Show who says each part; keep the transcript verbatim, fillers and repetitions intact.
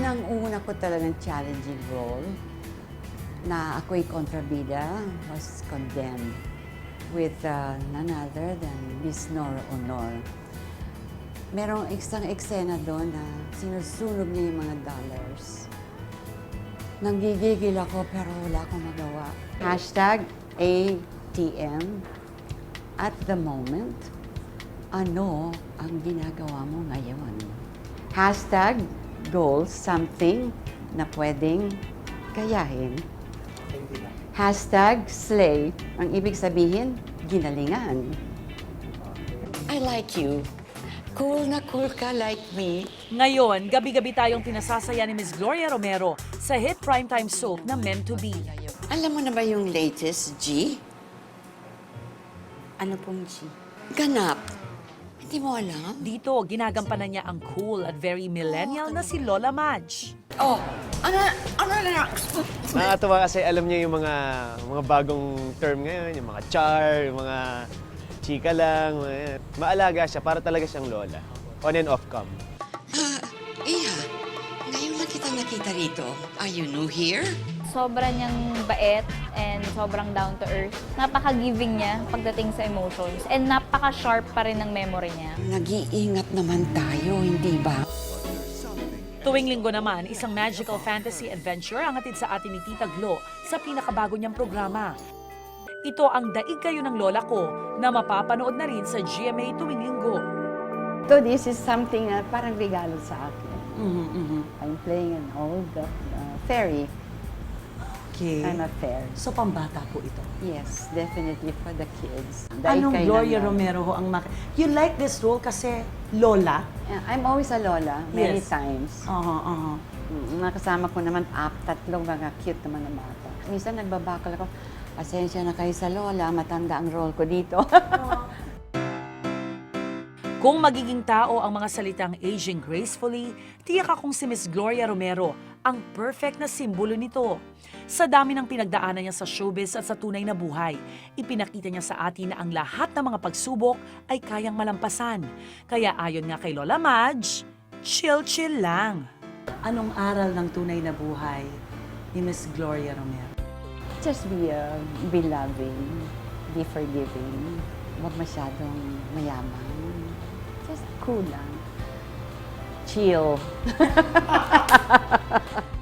Speaker 1: unang-una ko talagang challenging role na ako'y kontrabida was condemned with uh, none other than Miss Nora Honor. Merong isang eksena doon na sinusunog niya yung mga dollars. Nanggigigil ako pero wala akong magawa. Hashtag A T M. At the moment, ano ang ginagawa mo ngayon? Hashtag goals, something na pwedeng gayahin. Hashtag slay, ang ibig sabihin, ginalingan. I like you. Cool na cool ka like me.
Speaker 2: Ngayon, gabi-gabi tayong pinasasaya ni Miss Gloria Romero sa hit primetime soap na Meant to Be.
Speaker 1: Alam mo na ba yung latest G?
Speaker 3: Ano pong G?
Speaker 1: Ganap. Hindi mo alam?
Speaker 2: Dito, ginagampanan niya ang cool at very millennial na si Lola Madge.
Speaker 1: Oh, ano, ano na?
Speaker 4: Nakakatawa kasi alam niya yung mga mga bagong term ngayon, yung mga char, yung mga chika lang. Mga, maalaga siya, para talaga siyang lola. On and off cam.
Speaker 1: Ah, Iha, ngayon lang kita nakita rito. Are you new here?
Speaker 5: Sobra niyang bait and sobrang down to earth. Napaka-giving niya pagdating sa emotions and napaka-sharp pa rin ng memory niya.
Speaker 1: Nag-iingat naman tayo, hindi ba?
Speaker 2: Tuwing linggo naman, isang magical fantasy adventure ang hatid sa atin ni Tita Glo sa pinakabago niyang programa. Ito ang Daig Kayo ng Lola Ko na mapapanood na rin sa G M A tuwing linggo.
Speaker 1: So this is something na parang regalo sa akin.
Speaker 3: Mm-hmm, mm-hmm.
Speaker 1: I'm playing an old uh, fairy.
Speaker 3: Okay.
Speaker 1: I'm a fairy.
Speaker 3: So, pambata po ito.
Speaker 1: Yes, definitely for the kids. Daig
Speaker 3: Anong
Speaker 1: kayo
Speaker 3: Gloria
Speaker 1: ng-
Speaker 3: Romero ho ang mak... You like this role kasi lola?
Speaker 1: Yeah, I'm always a lola, many
Speaker 3: Yes.
Speaker 1: times.
Speaker 3: Oo, oo.
Speaker 1: Mm, Nakasama ko naman ap, tatlong mga cute naman na bata. Minsan nagbabakal ako, pasensya na kayo sa lola, matanda ang role ko dito.
Speaker 2: Kung magiging tao ang mga salitang aging gracefully, tiyak akong si Miss Gloria Romero ang perfect na simbolo nito. Sa dami ng pinagdaanan niya sa showbiz at sa tunay na buhay, ipinakita niya sa atin na ang lahat ng mga pagsubok ay kayang malampasan. Kaya ayon nga kay Lola Madge, chill-chill lang.
Speaker 3: Anong aral ng tunay na buhay ni Miss Gloria Romero?
Speaker 1: Just be, uh, be loving, be forgiving, huwag masyadong mayaman. Just cool lang. Chill.